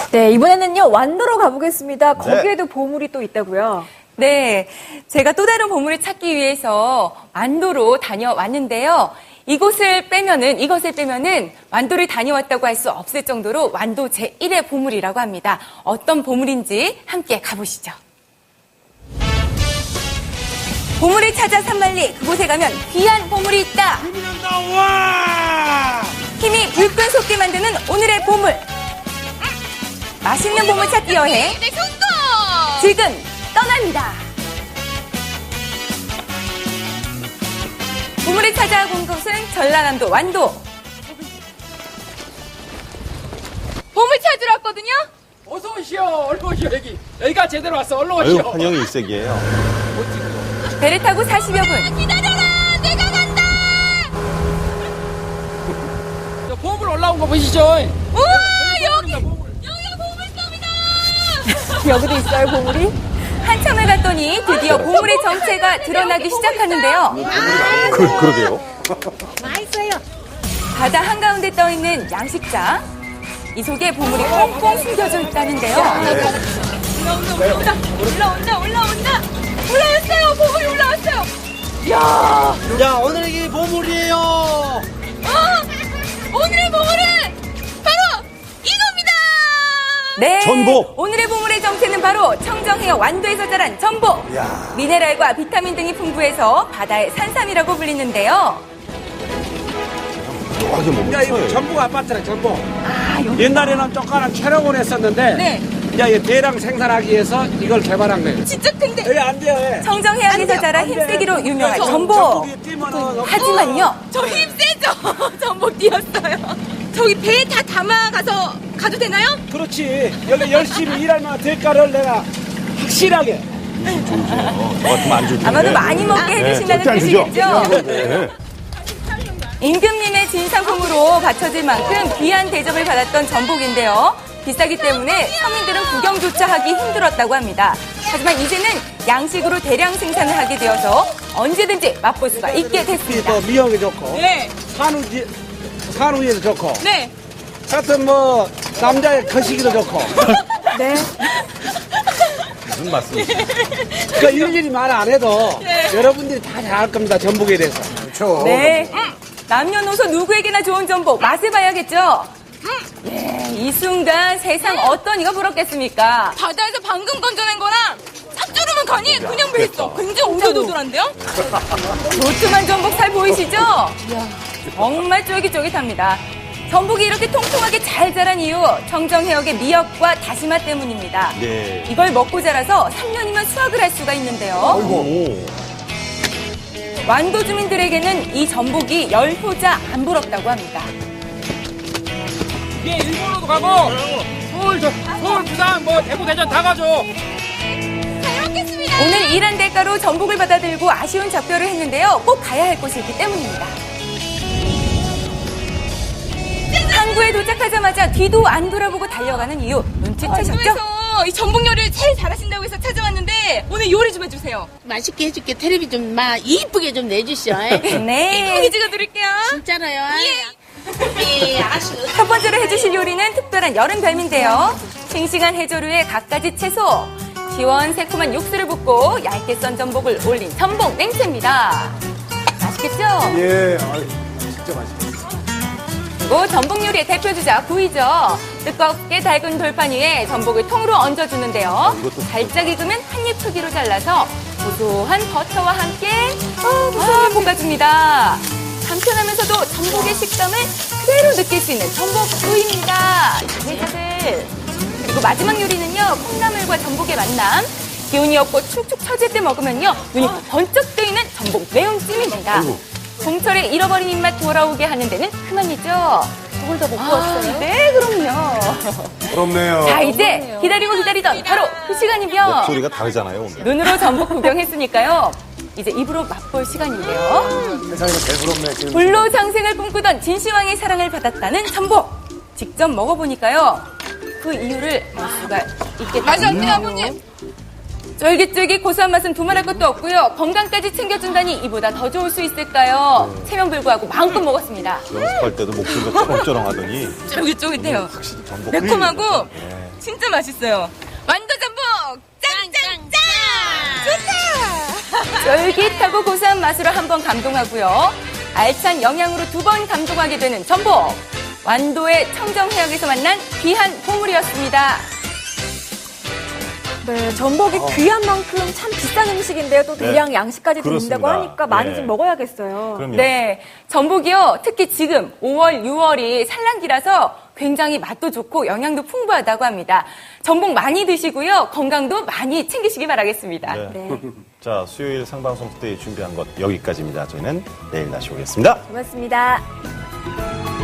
네, 이번에는요, 완도로 가보겠습니다. 거기에도 보물이 또 있다고요? 네, 제가 또 다른 보물을 찾기 위해서 완도로 다녀왔는데요. 이것을 빼면은 완도를 다녀왔다고 할 수 없을 정도로 완도 제1의 보물이라고 합니다. 어떤 보물인지 함께 가보시죠. 보물을 찾아 산만리, 그곳에 가면 귀한 보물이 있다. 힘이 불끈 솟게 만드는 오늘의 보물. 맛있는 보물 찾기 여행 지금 떠납니다. 보물을 찾아 온 곳은 전라남도 완도. 보물 찾으러 왔거든요. 어서 오시오. 얼른 오시오. 여기가 제대로 왔어. 얼른 오시오. 아유, 환영이 일색이에요. 배를 타고 40여 분. 기다려라. 내가 간다. 저 보물 올라온 거 보시죠. 우와, 여기가 보물섬이다. 여기도 있어요, 보물이? 한참을 갔더니 드디어 보물의 정체가 드러나기 시작하는데요. 그러게요. 맛있어요. 바다 한가운데 떠있는 양식장. 이 속에 보물이 꽁꽁 숨겨져 있다는데요. 올라온다. 올라왔어요. 보물이 올라왔어요. 자, 오늘의 보물이에요. 오늘의 보물은 바로 이겁니다. 네. 전복. 오늘의 보물의 정체는 바로 청정해역 완도에서 자란 전복. 미네랄과 비타민 등이 풍부해서 바다의 산삼이라고 불리는데요. 하게 먹는 야, 이거 거예요. 전복 아파트래, 전복. 옛날에는 조그마한 촬영을 했었는데, 네. 이제 이 대량 생산하기 위해서 이걸 개발한 거예요. 진짜 근데 여기 안 돼요, 예. 청정해역에서 자란 힘세기로 유명한 전복. 전복이 뛰면은 하지만요. 저 힘세죠. 전복 뛰었어요. 저기 배에 다 가도 되나요? 그렇지. 여기 열심히 일하면 대가를 내가 확실하게. 저 같으면 안 주죠. 아마도 많이 먹게 해주신다는 절대 안 주죠. 뜻이겠죠? 네. 임금님의 진상품으로 바쳐질 만큼 귀한 대접을 받았던 전복인데요. 비싸기 때문에 서민들은 구경조차 하기 힘들었다고 합니다. 하지만 이제는 양식으로 대량 생산을 하게 되어서 언제든지 맛볼 수가 있게 됐습니다. 또 미역이 좋고, 네. 산후에도 좋고, 네. 하여튼 뭐, 남자의 거시기도 좋고. 네. 무슨 말씀이세요? 그러니까 일일이 말 안 해도 여러분들이 다 잘 알 겁니다, 전복에 대해서. 그렇죠. 네. 남녀노소 누구에게나 좋은 전복 맛을 봐야겠죠? 네, 이 순간 세상 어떤 이가 부럽겠습니까? 바다에서 방금 건져낸 거랑 짭조름한 간이 그냥 뱄어. 굉장히 오돌도돌한데요? 도톰한 전복 살 보이시죠? 정말 쫄깃쫄깃합니다. 전복이 이렇게 통통하게 잘 자란 이유 청정해역의 미역과 다시마 때문입니다. 네. 이걸 먹고 자라서 3년이면 수확을 할 수가 있는데요. 오. 완도 주민들에게는 이 전복이 열효자 안 부럽다고 합니다. 예, 일본으로도 가고, 서울, 부산, 뭐, 대구, 대전 다 가죠. 오늘 일한 대가로 전복을 받아들고 아쉬운 작별을 했는데요. 꼭 가야 할 곳이 있기 때문입니다. 항구에 도착하자마자 뒤도 안 돌아보고 달려가는 이유 눈치채셨죠? 완도에서 이 전복 요리를 제일 잘하신다고 해서 찾아왔는데 오늘 요리 좀 해주세요. 맛있게 해줄게. 텔레비 좀 이쁘게 좀 내주시오. 네. 이쁘게 찍어드릴게요. 진짜로요. 예, 알았어. 첫 번째로 해주실 요리는 특별한 여름 별미인데요. 싱싱한 해조류에 갖가지 채소, 시원새콤한 육수를 붓고 얇게 썬 전복을 올린 전복 냉채입니다. 맛있겠죠? 예, 진짜 맛있어. 그리고 전복 요리의 대표주자 구이죠. 뜨겁게 달군 돌판 위에 전복을 통으로 얹어주는데요. 살짝 익으면 한입 크기로 잘라서 고소한 버터와 함께 볶아줍니다. 간편하면서도 전복의 식감을 그대로 느낄 수 있는 전복 구이입니다. 자글자글. 그리고 마지막 요리는요. 콩나물과 전복의 만남. 기운이 없고 축축 처질 때 먹으면요. 눈이 번쩍 뜨이는 전복 매운찜입니다. 봄철에 잃어버린 입맛 돌아오게 하는 데는 그만이죠. 저걸 더 먹고 왔어요? 네, 그럼요. 부럽네요. 자, 이제 기다리던 바로 그 시간이며 목소리가 다르잖아요, 오늘. 눈으로 전복 구경했으니까요. 이제 입으로 맛볼 시간인데요. 세상에서 제일 부럽네. 불로장생을 꿈꾸던 진시황의 사랑을 받았다는 전복. 직접 먹어보니까요. 그 이유를 알 수가 있겠다. 맛이 어때요, 아버님? 쫄깃쫄깃 고소한 맛은 두말할 것도 없고요. 건강까지 챙겨준다니 이보다 더 좋을 수 있을까요? 체면 불구하고 마음껏 먹었습니다. 연습할 때도 목소리가 쩌렁쩌렁 하더니 쫄깃쫄깃해요. 확실히 전복 매콤하고 네. 진짜 맛있어요. 완도전복 짱짱짱! 좋다! 쫄깃하고 고소한 맛으로 한번 감동하고요. 알찬 영양으로 2번 감동하게 되는 전복. 완도의 청정해역에서 만난 귀한 보물이었습니다. 네, 전복이 귀한 만큼 참 비싼 음식인데요. 또 대량 네, 양식까지 드린다고 그렇습니다. 하니까 많이 예. 좀 먹어야겠어요. 그럼요. 네, 전복이요. 특히 지금 5월, 6월이 산란기라서 굉장히 맛도 좋고 영양도 풍부하다고 합니다. 전복 많이 드시고요. 건강도 많이 챙기시기 바라겠습니다. 네. 네, 자, 수요일 상방송 때 준비한 것 여기까지입니다. 저희는 내일 다시 오겠습니다. 고맙습니다.